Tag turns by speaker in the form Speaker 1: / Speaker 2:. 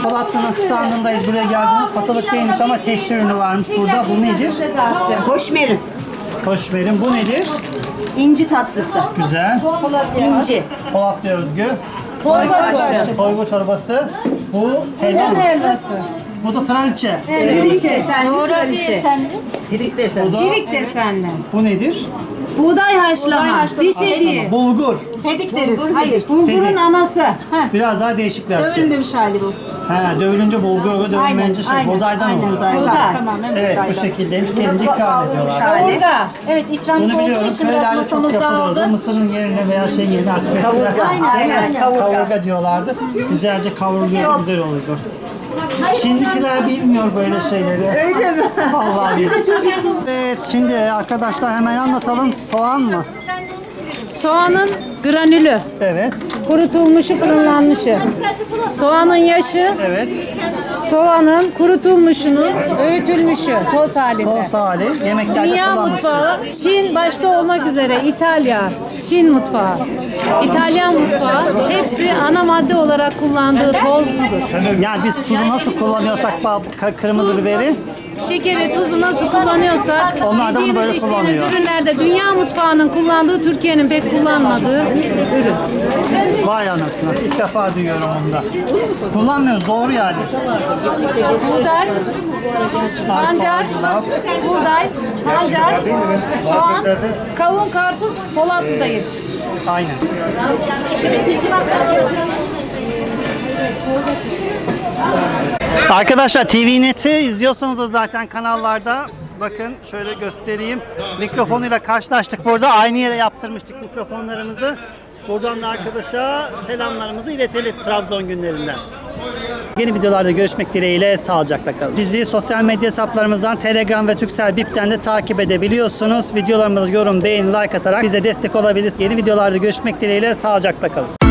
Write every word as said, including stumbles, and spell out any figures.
Speaker 1: Polatlı'nın standındayız. Buraya geldiğimiz satılık değilmiş ama teşhir ürünü varmış burada. Bu nedir?
Speaker 2: Hoşmerim.
Speaker 1: Hoşmerim. Bu nedir?
Speaker 2: İnci tatlısı.
Speaker 1: Güzel.
Speaker 2: İnci.
Speaker 1: Polatlı özgü.
Speaker 3: Torba çorbası.
Speaker 1: Soygu çorbası. Bu helva mı?
Speaker 3: Helvası.
Speaker 1: Bu da traliçe.
Speaker 2: Firik desenli kraliçe. Firik desenli.
Speaker 1: Bu da,
Speaker 3: Cirik desenli.
Speaker 1: bu nedir?
Speaker 3: Buğday haşlama.
Speaker 2: haşlama.
Speaker 3: Diş eti.
Speaker 1: Bulgur.
Speaker 2: Hedik deriz. Hayır.
Speaker 3: Bulgurun
Speaker 1: Peki.
Speaker 3: anası.
Speaker 1: Biraz daha değişik versiyon.
Speaker 2: Dövülmemiş hali bu.
Speaker 1: He, dövülünce bulgur, dövülmeyince şey, buğdaydan
Speaker 2: aynen,
Speaker 1: oluyor.
Speaker 2: Buğday.
Speaker 3: Buğday.
Speaker 2: Tamamen
Speaker 1: Evet,
Speaker 2: buğdaydan.
Speaker 1: bu şekildeymiş. Kendince ikram ediyorlar.
Speaker 2: hali.
Speaker 3: Burada.
Speaker 2: Evet, ikram
Speaker 1: Bunu
Speaker 2: olduğu
Speaker 1: biliyorum.
Speaker 2: için biraz
Speaker 1: Köylerde çok
Speaker 2: masamız
Speaker 1: yapılıyordu.
Speaker 2: dağıldı.
Speaker 1: Mısırın yerine veya şey yerine artık eskiden
Speaker 2: Aynen, aynen.
Speaker 1: kavurga.
Speaker 2: Kavurga.
Speaker 1: diyorlardı. Güzelce kavruluyor, güzel olurdu. Şimdikiler bilmiyor böyle şeyleri.
Speaker 2: Öyle mi?
Speaker 1: Vallahi bilmiyor. Evet, şimdi arkadaşlar hemen anlatalım. Soğan mı?
Speaker 3: Soğanın granülü.
Speaker 1: Evet,
Speaker 3: Kurutulmuşu, fırınlanmışı. Soğanın yaşı,
Speaker 1: evet.
Speaker 3: soğanın kurutulmuşunun öğütülmüşü, toz halinde.
Speaker 1: Toz hali, yemeklerde
Speaker 3: Dünya
Speaker 1: kullanmak için.
Speaker 3: mutfağı, Çin başta olmak üzere İtalya, Çin mutfağı, İtalyan mutfağı hepsi ana madde olarak kullandığı toz budur.
Speaker 1: Yani biz tuzu nasıl kullanıyorsak bab- ka- kırmızı biberi,
Speaker 3: Şekeri, tuzu nasıl kullanıyorsak
Speaker 1: Onlar da bunu
Speaker 3: yediğimiz
Speaker 1: böyle
Speaker 3: içtiğimiz
Speaker 1: kullanıyor.
Speaker 3: ürünlerde dünya mutfağının kullandığı Türkiye'nin pek kullanmadığı ürün.
Speaker 1: vay anasını. İlk defa duyuyorum onu da. Kullanmıyoruz, doğru yani.
Speaker 3: Buğday, pancar, buğday, pancar, soğan, kavun, karpuz, Polatlı'da yetişir.
Speaker 1: Aynen. Arkadaşlar T V Net'i izliyorsunuz zaten kanallarda. Bakın şöyle göstereyim. Mikrofonuyla karşılaştık burada. Aynı yere yaptırmıştık mikrofonlarımızı. Buradan da arkadaşa selamlarımızı iletelim Trabzon günlerinden. Yeni videolarda görüşmek dileğiyle sağlıcakla kalın. Bizi sosyal medya hesaplarımızdan Telegram ve Turkcell Bip'ten de takip edebiliyorsunuz. Videolarımıza yorum, beğeni, like atarak bize destek olabilirsiniz. Yeni videolarda görüşmek dileğiyle sağlıcakla kalın.